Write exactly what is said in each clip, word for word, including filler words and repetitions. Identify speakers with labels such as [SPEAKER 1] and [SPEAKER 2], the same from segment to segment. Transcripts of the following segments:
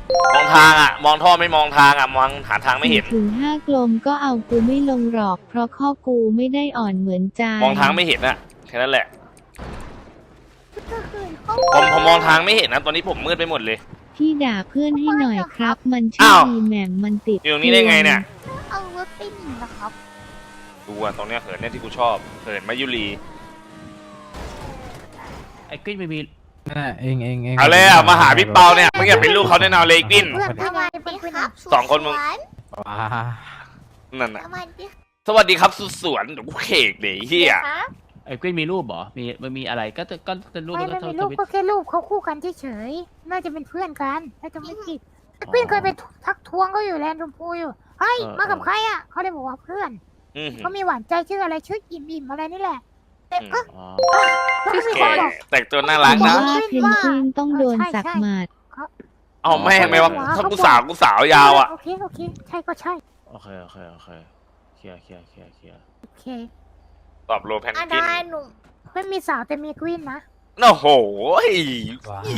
[SPEAKER 1] มองทางอ่ะมองท่อไม่มองทางอ่ะมองหาทางไม่เห็น
[SPEAKER 2] ถึงห้ากลมก็เอากูไม่ลงหรอกเพราะข้อกูไม่ได้อ่อนเหมือนใจ
[SPEAKER 1] มองทางไม่เห็นอะแค่นั้นแหละ
[SPEAKER 3] ก็คือเขา
[SPEAKER 1] ผมผมมองทางไม่เห็นนะตอนนี้ผมมืดไปหมดเลย
[SPEAKER 2] พี่ด่าเพื่อนให้หน่อยครับ มันชื่อ
[SPEAKER 1] อ้าว
[SPEAKER 2] ดีแหม่มมันติด
[SPEAKER 1] อยู่ตรงนี้ได้ไงเนี่ย
[SPEAKER 3] เอารถไปหนีนะครับ
[SPEAKER 1] ดูอ่ะตรงเนี้ยเหินเนี่ยที่กูชอบเหินมายุรี
[SPEAKER 4] ไอ้กลิ้นไม่มี
[SPEAKER 5] นั่นแหละเองเองเอง
[SPEAKER 1] เอาเลยอ่ะมาหาพี่เปาเนี่ยมึงอย่าเป็นลูกเขาแน่นอนเลยกิน
[SPEAKER 3] เพื่อนทำไมเป็นคนครับ
[SPEAKER 1] สองคนมึง
[SPEAKER 5] ว้า
[SPEAKER 1] นั่นน่ะ
[SPEAKER 3] สวัสดี
[SPEAKER 1] สวัสดีครับสุดสวนเดี๋ยวกูเขกเดี๋ยวเฮีย
[SPEAKER 3] ครับ
[SPEAKER 4] ไอ้กลิ้นมีรูปเหรอมีมันมีอะไรก็จะก็จะรูป
[SPEAKER 6] ไม่
[SPEAKER 4] แล้ว
[SPEAKER 6] ไม่
[SPEAKER 4] ก็
[SPEAKER 6] มี
[SPEAKER 4] ท
[SPEAKER 6] รูป
[SPEAKER 4] วิต
[SPEAKER 6] ก็แค่รูปเขาคู่กันเฉยๆ น่าจะเป็นเพื่อนกันถ้าจะไม่ผิด
[SPEAKER 4] อ๋อ
[SPEAKER 6] เพื่อนเคยไปทักทวงก็อยู่แลนด์ชมพูอยู่ เฮ้ย
[SPEAKER 4] เออ
[SPEAKER 6] มากับใครอ่ะ เขาเลยบอกว่าเพื่อน
[SPEAKER 1] อืม
[SPEAKER 6] ก็มีหวานใจชื่ออะไรชื่ออิ่มอิ่มอะไรนี่แหละแต่ก็
[SPEAKER 4] อ๋อ
[SPEAKER 6] ก็มี
[SPEAKER 1] แก
[SPEAKER 6] คนบอก
[SPEAKER 1] แต่งตัวน่ารัก
[SPEAKER 2] ว่า
[SPEAKER 1] นะ
[SPEAKER 2] เพนกวินต้องโดนสักหมัด
[SPEAKER 1] เอาแม่งไหมวะถ้ากูสาวกูสาวยาวอ่ะ
[SPEAKER 6] โอเคโอเค ใช่ก็ใช่
[SPEAKER 4] โอเคโอเคโอเคเคลียร์เคลียร์เคลียร์เคลียร์
[SPEAKER 6] โอเค
[SPEAKER 1] ตอบโลแพน
[SPEAKER 3] อา
[SPEAKER 1] กิน
[SPEAKER 3] ดาหนุ่ม
[SPEAKER 6] ไม่มีสาวแต่มีกวินนะ
[SPEAKER 1] โอ้โห
[SPEAKER 5] ว้า
[SPEAKER 1] อี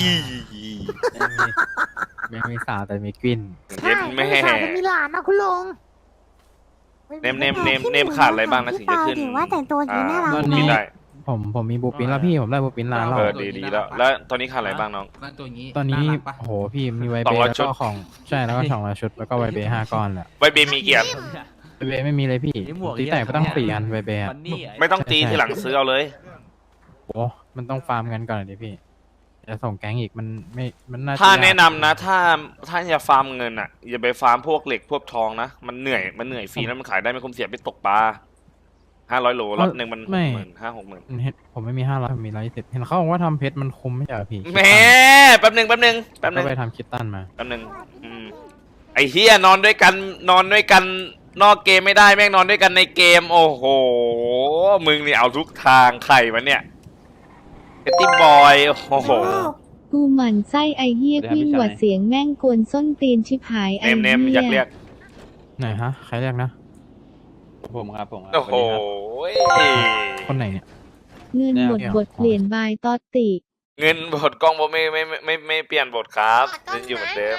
[SPEAKER 5] ไม่มีสาวแต่มีกลิ่น
[SPEAKER 6] ใช่
[SPEAKER 1] เย็ด
[SPEAKER 6] ไม่
[SPEAKER 1] แม่
[SPEAKER 6] มีสาวแต่มีหลานนะคุณลุง
[SPEAKER 1] เนมเนมเนมเนมขาดอะไรบ้างนะถึงจะขึ้น
[SPEAKER 3] ถือว่าแต่งตัวดีน่ารัก
[SPEAKER 5] ตอน
[SPEAKER 1] มี
[SPEAKER 5] นี้
[SPEAKER 1] ได้
[SPEAKER 5] ผมผมมีบูปินแล้วพี่ผมได้บูปินร้านแล้ว
[SPEAKER 1] เออดีดีแล้ว แล้วตอนนี้ขาดอะไรบ้างน้อง
[SPEAKER 7] บ้านตัวนี้
[SPEAKER 5] ตอนนี้
[SPEAKER 7] ารักปะ
[SPEAKER 5] โอ้โหพี่มีไว
[SPEAKER 1] สอ
[SPEAKER 5] เบ
[SPEAKER 1] งร้อย
[SPEAKER 5] แล้ว
[SPEAKER 1] ชุด
[SPEAKER 5] ก็ของใช่แล้วก็สองร้อยชุดแล้วก็ไวเบห้าก้อนแหละ
[SPEAKER 1] ไวเบมีเกียรติ
[SPEAKER 5] ไวเบไม่มีเลยพี่
[SPEAKER 4] นี่หมวก
[SPEAKER 5] ตีแต่ก็ต้องสี่อันไวเบอะ
[SPEAKER 4] มันนี่อ้
[SPEAKER 1] ไม่ต้องตีทีหลังซื้อเอาเลย
[SPEAKER 5] โอ้มันต้องฟาร์มกันก่อนดิพี่จะส่งแก๊งอีกมันไม่มันน่าจ
[SPEAKER 1] ถ้าย
[SPEAKER 5] ก
[SPEAKER 1] แนะนำนะ ถ้าถ้าจะฟาร์มเงินอ่ะอย่าไปฟาร์มพวกเหล็กพวกทองนะมันเหนื่อยมันเหนื่อยฟรีแล้วมันขายได้ไม่คุ้มเสียไปตกปลาห้าร้อยโลรอบหนึ่งมันหกหมื่นห้าหกหมื่น
[SPEAKER 5] เห็นผมไม่มีห้าร้อยผมมีร้อยยี่สิบเห็นเขาบอกว่าทำเพชรมันคุ้มไม่ใช่เหรอพี่
[SPEAKER 1] แหม่แป๊บหนึ่งแป๊บหนึ่งแป๊บห
[SPEAKER 5] ก็
[SPEAKER 1] นึ่ง
[SPEAKER 5] ไปทำคิตตันมา
[SPEAKER 1] แป๊บหนึ่งอืมไอ้เฮียนอนด้วยกันนอนด้วยกันนอกเกมไม่ได้แม่งนอนด้วยกันในเกม โอ้โหมึงนี่เอาทุกทางใครวะเนี่ยเอตตี้บอยโอ้โห
[SPEAKER 2] กูหมั่นไส้ไอเฮียกวินหวัดเสียงแม่งกวนส้นตีนชิบหายไอ
[SPEAKER 1] เนมเนม
[SPEAKER 2] เฮี
[SPEAKER 1] อยากเรี
[SPEAKER 2] ย
[SPEAKER 1] ยก
[SPEAKER 5] ไหนฮะใครเรียกนะ
[SPEAKER 8] ผมครับผมครับ
[SPEAKER 1] โอ้โห
[SPEAKER 5] คนไหนเนี่ย
[SPEAKER 2] เงินบทบทเปลี่ยนบายตอตติ
[SPEAKER 1] เงินบทกล้องผมไม่ไม่ไม่ไม่ไม่เปลี่ยนบทครับยังอยู่เหมือนเดิม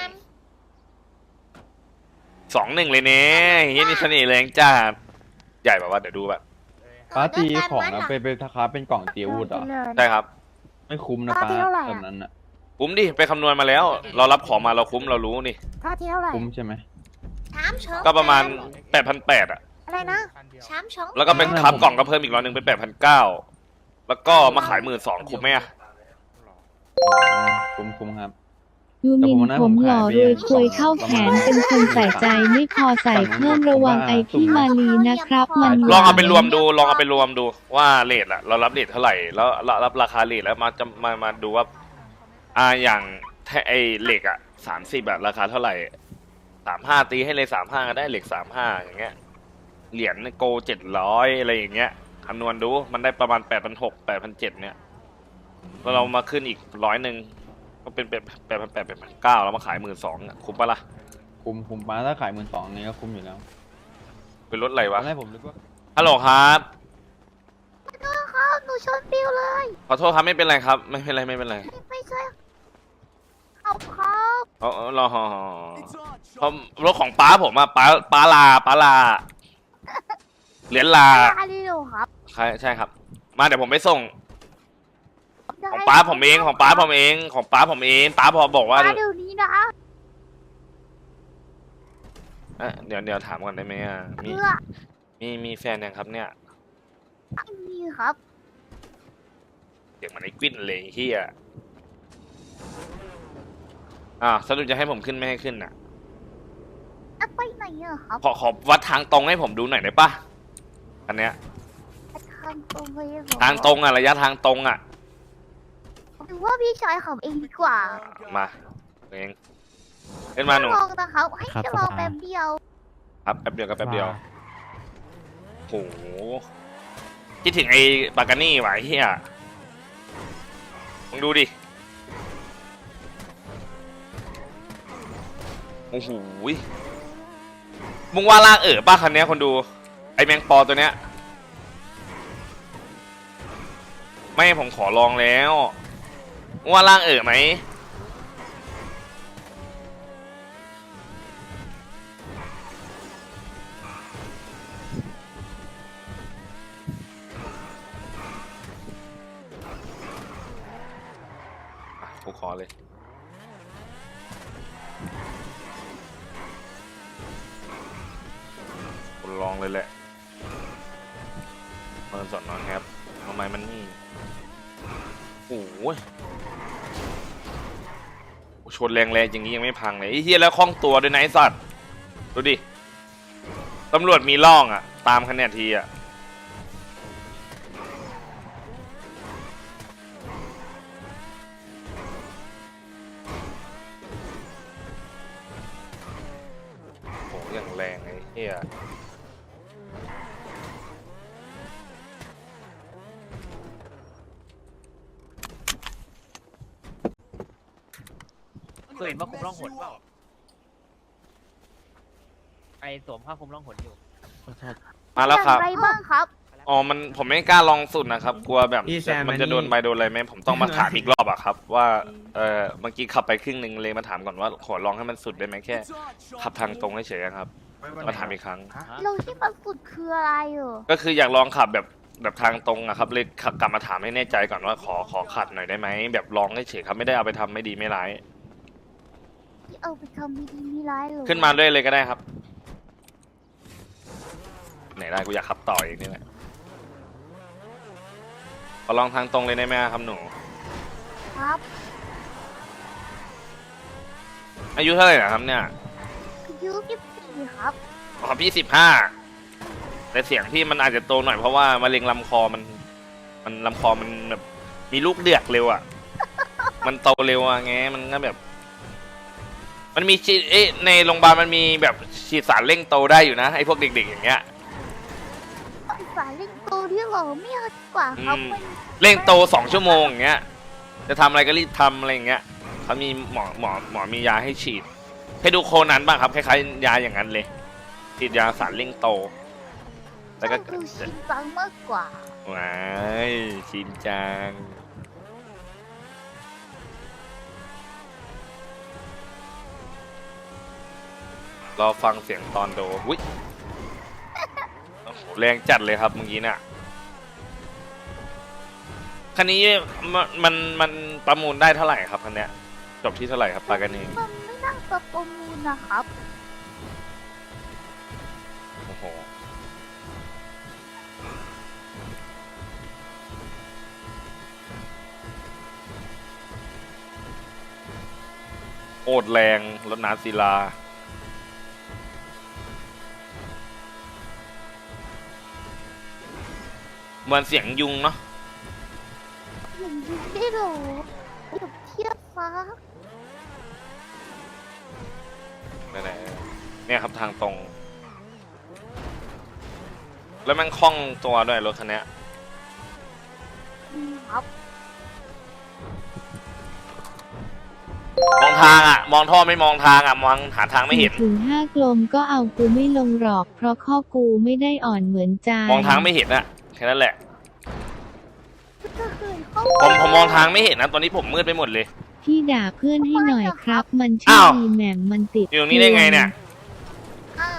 [SPEAKER 1] สองหนึ่งเลยเนี่ยเฮียนี่เสน่ห์แรงจ้าใหญ่แบบว่าเดี๋ยวดูแบบ
[SPEAKER 8] ป้าตีของนะไปไปทาคาเป็นกล่องตีอาวุธเหรอ
[SPEAKER 1] ได้ครับ
[SPEAKER 8] ไม่คุ้มนะ
[SPEAKER 6] ท่า
[SPEAKER 8] ป้า
[SPEAKER 6] ที่เท่าไหร่
[SPEAKER 8] แบ
[SPEAKER 6] อะ
[SPEAKER 8] บนั้นอ่ะ
[SPEAKER 1] คุ้มดิไปคำนวณมาแล้ว เรารับของมาเราคุ้มเรารู้นี่
[SPEAKER 6] ท่าที่เท่าไหร่
[SPEAKER 8] คุ้มใช่ไหม
[SPEAKER 3] ช้ามชง
[SPEAKER 1] ก็ประมาณแปดพันแปดอ่ะ
[SPEAKER 6] อะไรนะ
[SPEAKER 3] ช้ามชง
[SPEAKER 1] แล้วก็เป็นครับกล่องก็เพิ่มอีกร้อยหนึ่งเป็นแปดพันเก้าแล้วก็มาขายหมื่นสองคุ้มไหมอะ
[SPEAKER 8] อ๋อคุ้มคุ้มครับ
[SPEAKER 2] ยูมิน
[SPEAKER 8] แต่ผมว่า
[SPEAKER 2] ผม
[SPEAKER 8] ผม
[SPEAKER 2] ห
[SPEAKER 8] ขาย
[SPEAKER 2] ล่อ
[SPEAKER 8] ไป
[SPEAKER 2] รวยควยเข้าแขนเป็นคนใส่ใจไม่พอใส่เพิ่มระวังไอพี่มาลีนะครับ มันห
[SPEAKER 1] ลองเอาไป
[SPEAKER 2] วาน
[SPEAKER 1] รวมดูลองเอาไปรวมดูว่าเรทอะเรารับเรทเท่าไหร่แล้วเรารับราคาเรทแล้วมาจะมามาดูว่าอ่าอย่างแท้ไอเหล็กอะสามสิบอะราคาเท่าไหร่สามห้าตีให้เลยสามห้าก็ได้เหล็กสามห้าอย่างเงี้ยเหรียญโกเจ็ดร้อยอะไรอย่างเงี้ยคำนวณดูมันได้ประมาณแปดพันหกแปดพันเจ็ดเนี่ยแล้วเรามาขึ้นอีกร้อยหนึ่งก็เป็นแปดแปดพันแปดแปดพันเก้าแล้วมาขายหมื่นสองคุ้มปะล่ะ
[SPEAKER 8] คุ้มคุ้มป้าถ้าขายหมื่นสองนี้ก็คุ้มอยู่แล้ว
[SPEAKER 1] เป็นรถอะไร
[SPEAKER 8] ตอ
[SPEAKER 1] วะ
[SPEAKER 8] นแรกผมนึกว่า
[SPEAKER 1] ฮัลโหลครับ
[SPEAKER 3] ครับหนูชนปิวเลย
[SPEAKER 1] ขอโทษครับไม่เป็นไรครับ ไม่เป็นไรไม่เป็นไร
[SPEAKER 3] ไม่ใช่เอาครับ
[SPEAKER 1] เอาเอารอเพราะรถของป้าผมอะป้าป้าลาป้าลาเหรียญลา
[SPEAKER 3] อาริโลครับ
[SPEAKER 1] ใช่ใช่ครับ มาเดี๋ยวผมไปส่ง
[SPEAKER 3] ได้
[SPEAKER 1] ของป้าผมเองของป้าผมเองของป้าผมเองป้าพอบอกว่า
[SPEAKER 3] ป้าเดี๋ยวนี้นะ
[SPEAKER 1] เอ้ยเดี๋ยวเดี๋ยวถามก่อนได้ไหมอะมี
[SPEAKER 3] เพื่อ
[SPEAKER 1] มีมีแฟนยังครับเนี่ย
[SPEAKER 3] ไม่มีครับ
[SPEAKER 1] เดี๋ยวมันไอ้กวิ้นเลยเฮียอ่าสรุปจะให้ผมขึ้นไม่ให้ขึ้นน่ะ
[SPEAKER 3] จะไปไหนอะครับ
[SPEAKER 1] ขอขอวัดทางตรงให้ผมดูหน่อยได้ปะอันเนี้ย
[SPEAKER 3] ทางตรงไปเหรอ
[SPEAKER 1] ทางตรงอะระยะทางตรงอะ
[SPEAKER 3] หรือว่าพี่ชายขับเองดีกว่า
[SPEAKER 1] มาเองขึ้นมาหนู
[SPEAKER 3] ลองนะครับให้
[SPEAKER 5] ครับ
[SPEAKER 3] จะลอง
[SPEAKER 5] สบาย
[SPEAKER 3] แป๊บเดียว
[SPEAKER 1] ครับแป๊บเดียวกับแป๊บเดียวโหคิดถึงไอ้ปากานี่ว่ะไอ้เฮียมึงดูดิโอ้โหมึงว่าลากเอ๋อป้าคันเนี้ยคนดูไอ้แมงปอตัวเนี้ยไม่ผมขอลองแล้วมึงว่าลากเอ๋อไหมกูขอเลยกูลองเลยแหละเปิดสอนนอนครับทำไมมันนี่โอ้ยชนแรงๆอย่างนี้ยังไม่พังเลยไอ้เหี้ยแล้วคล่องตัวด้วยนะไอ้สัตว์ดูดิตำรวจมีล่องอ่ะตามคะแนนทีอ่ะโหอย่างแรงไอ้เหี้ย
[SPEAKER 7] เคยเห็นว่าคุมร่องหนเปล่าไอสวมผ้าคลุมร่องหนอยู่
[SPEAKER 1] มาแล้วครับ
[SPEAKER 3] อย่างไรบ้างครับ
[SPEAKER 1] อ๋อ มันผมไม่กล้าลองสุดนะครับ กลัวแบบ
[SPEAKER 9] พี่แซม
[SPEAKER 1] มันจะ
[SPEAKER 9] อันนี้
[SPEAKER 1] โดนใบโดนอะไรไหมผมต้องมาถามอีกรอบอะครับ ว่า เออเมื่อกี้ขับไปครึ่งหนึ่งเลยมาถามก่อนว่าขอลองให้มันสุดได้ไหมแค่ ขับทางตรงเฉยๆครับ มาถามอีกครั้ง
[SPEAKER 3] เราที่มันสุดคืออะไรเหรอ
[SPEAKER 1] ก็คืออยากลองขับแบบแบบทางตรงอะครับ เลยขับกลับมาถามให้แน่ใจก่อนว่าขอขอขัดหน่อยได้ไหม แบบลองเฉยๆครับ ไม่ได้เอาไปทำไม่ดีไม่ร้าย
[SPEAKER 3] ที่เอาไปทำไม่ดีไม่ร้ายเหรอ
[SPEAKER 1] ขึ้นมาด้วยเลยก็ได้ครับ ไหนได้กูอยากขับต่ออีกนี่แหละขอลองทางตรงเลยได้ไหมครับหนู
[SPEAKER 3] ครับ
[SPEAKER 1] อายุเท่าไหร่นะครับเนี่ย
[SPEAKER 3] อายุยี่สิบสี่ครับ
[SPEAKER 1] อ๋อพี่สิบห้าแต่เสียงพี่มันอาจจะโตหน่อยเพราะว่ามะเร็งลำคอมัน มันลำคอมันแบบมีลูกเดือกเร็วอ่ะ มันโตเร็วอ่ะไงมันก็แบบ มันมีฉีดเอ๊ะในโรงพยาบาลมันมีแบบฉีดสารเร่งโตได้อยู่นะไอ้พวกเด็กๆอย่างเงี้ย
[SPEAKER 3] สายเล่นโตที่เหรอไม่เอาดีกว่าครับ
[SPEAKER 1] อืม
[SPEAKER 3] มัน
[SPEAKER 1] เร่งโตสองชั่วโมงอย่างเงี้ย จะทำอะไรก็รีบทำอะไรอย่างเงี้ยเขามีหมอหมอหมอมียาให้ฉีด ให้ดูโคนันบ้างครับคล้ายๆยาอย่างนั้นเลยฉีดยาสารเร่งโต แล้วก็
[SPEAKER 3] ชอบดูชินจังมากกว่า
[SPEAKER 1] ว้ายชินจังรอฟังเสียงตอนโดอุ้ยโอ้โหแรงจัดเลยครับเมื่อกี้น่ะคันนี้มันมันมันประมูลได้เท่าไหร่ครับคันเนี้ยจบที่เท่าไหร่ครับปากันเอง
[SPEAKER 3] มันไม่น่าจะประมูลนะครับ
[SPEAKER 1] โอ้โหโคตรแรงรถน้ำศิลาเหมือนเสียงยุงเนาะ
[SPEAKER 3] อย่างนี้ได้เหรอเดี๋ยวเทียบฟ้า
[SPEAKER 1] ไหนๆเนี่ยครับทางตรง แล้วมันคล่องตัวด้วยรถคันเนี้ย
[SPEAKER 3] อืมครับ
[SPEAKER 1] มองทางอ่ะ มองท่อไม่มองทางอ่ะ มองหาทางไม่เห็น
[SPEAKER 2] ถึงห้ากลมก็เอากูไม่ลงหรอก เพราะข้อกูไม่ได้อ่อนเหมือนใจ
[SPEAKER 1] มองทางไม่เห็นอะแค่นั้นแหละ
[SPEAKER 3] ก็คือเขา
[SPEAKER 1] ผมผมมองทางไม่เห็นนะตอนนี้ผมมืดไปหมดเลย
[SPEAKER 2] พี่ด่าเพื่อนให้หน่อยครับ มันชื่อ
[SPEAKER 1] อ้าว
[SPEAKER 2] ดีแหม่มมันติด
[SPEAKER 1] อยู่ตรงนี้ได้ไงเนี่ย
[SPEAKER 3] อ้าว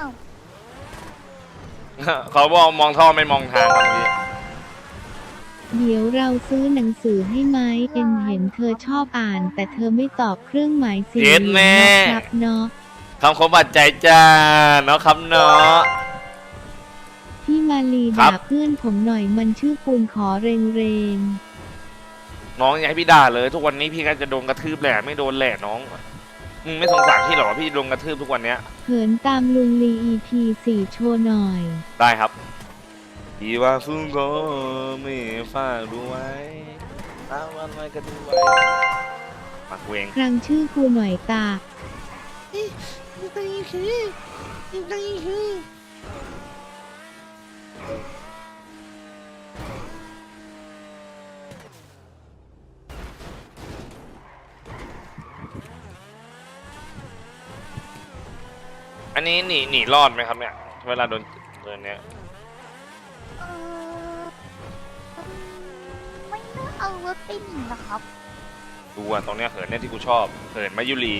[SPEAKER 1] เขาบอกมองท่อไม่มองทางครับเมื่อกี้
[SPEAKER 2] เดี๋ยวเราซื้อหนังสือให้ไหมเอ็นเห็นเธอชอบอ่าน แต่เธอไม่ตอบเครื่องหมายสี่เหลี่ยมนะครับเนาะ
[SPEAKER 1] คำคมบาดใจจ้าเนาะครับเนาะ
[SPEAKER 2] พี่มาลี
[SPEAKER 1] ครั
[SPEAKER 2] ด่า
[SPEAKER 1] บ
[SPEAKER 2] เพื่อนผมหน่อยมันชื่อปูนขอเรงเรง
[SPEAKER 1] น้องอย่าให้พี่ด่าเลย ทุกวันนี้พี่ก็จะโดนกระทืบแหละไม่โดนแหละน้องมึงไม่สงสารพี่หรอพี่โดนกระทืบทุกวันเนี้ย
[SPEAKER 2] เขินตามลุงลี อี พี สี่โชว์หน่อย
[SPEAKER 1] ได้ครับพี่ว่าฟุ้งก็ไม่ฝากดูไว้ตาวันไว้ก็ดูไว้มาเวง
[SPEAKER 2] ครั้งชื่อกูหน่อยตา
[SPEAKER 1] อันนี้หนีหนีรอดไหมครับเนี่ยเวลาโดนโดนเนี้ย
[SPEAKER 3] เออไม่น่าเอารถไปหนีนะครับ
[SPEAKER 1] ดูอ่ะตรงเนี้ยเหินเนี่ยที่กูชอบเหินมายุรี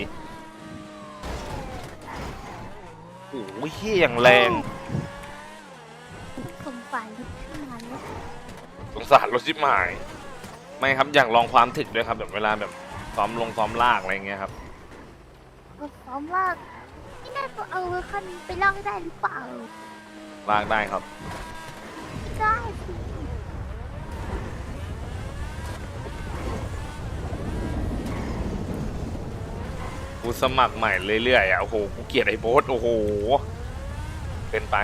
[SPEAKER 1] โอ้ยเฮี้ยอย่างแรง
[SPEAKER 3] สงสัยรถขึ้นมาแล้ว
[SPEAKER 1] สงสารรถชิบหาย ไม่ครับอยากลองความถึกด้วยครับแบบเวลาแบบซ้อมลงซ้อมลากอะไรเงี้ยครับ
[SPEAKER 3] ก็ซ้อมว่าไม่ได้ตัวเอาคันไปลากได้หรือเปล่า
[SPEAKER 1] ลากได้ครับ
[SPEAKER 3] ไม่ได้สิ
[SPEAKER 1] กูสมัครใหม่เรื่อยๆอ่ะโอ้โหกูเกลียดไอ้โบ๊ทโอ้โหเป็นไป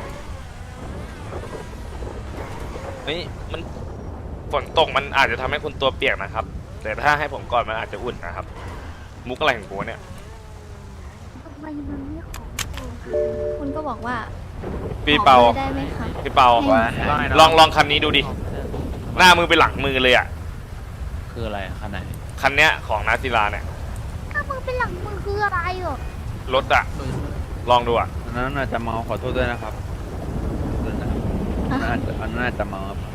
[SPEAKER 1] เฮ้ยมันฝนตกมันอาจจะทำให้คุณตัวเปียกนะครับ แต่ถ้าให้ผมก่อนมันอาจจะอุ่นนะครับ มุกอะไรของกูเนี่ย
[SPEAKER 3] ทำไมมันไม่ของตัว
[SPEAKER 2] คุณก็บอกว่า
[SPEAKER 1] พี่เปา
[SPEAKER 2] ขอบอร์ได้ไหมคะ
[SPEAKER 1] พี่เปา
[SPEAKER 2] ให้
[SPEAKER 1] ลองลองคันนี้ดูดิ หน้ามือไปหลังมือเลยอ่ะ
[SPEAKER 4] คืออะไรคันไหน
[SPEAKER 1] คันเนี้ยของนาศิลาเนี่ย
[SPEAKER 3] ถ้ามึงเป็นหลังมือคืออะไรหรอ
[SPEAKER 1] รถอ่ะ ลองดูอ่ะ
[SPEAKER 8] อันนั้นอาจจะเมาขอโทษด้วยนะครับขอโทษนะครับอันนั้นอาจจะอันนั้นอาจจะเมาครับ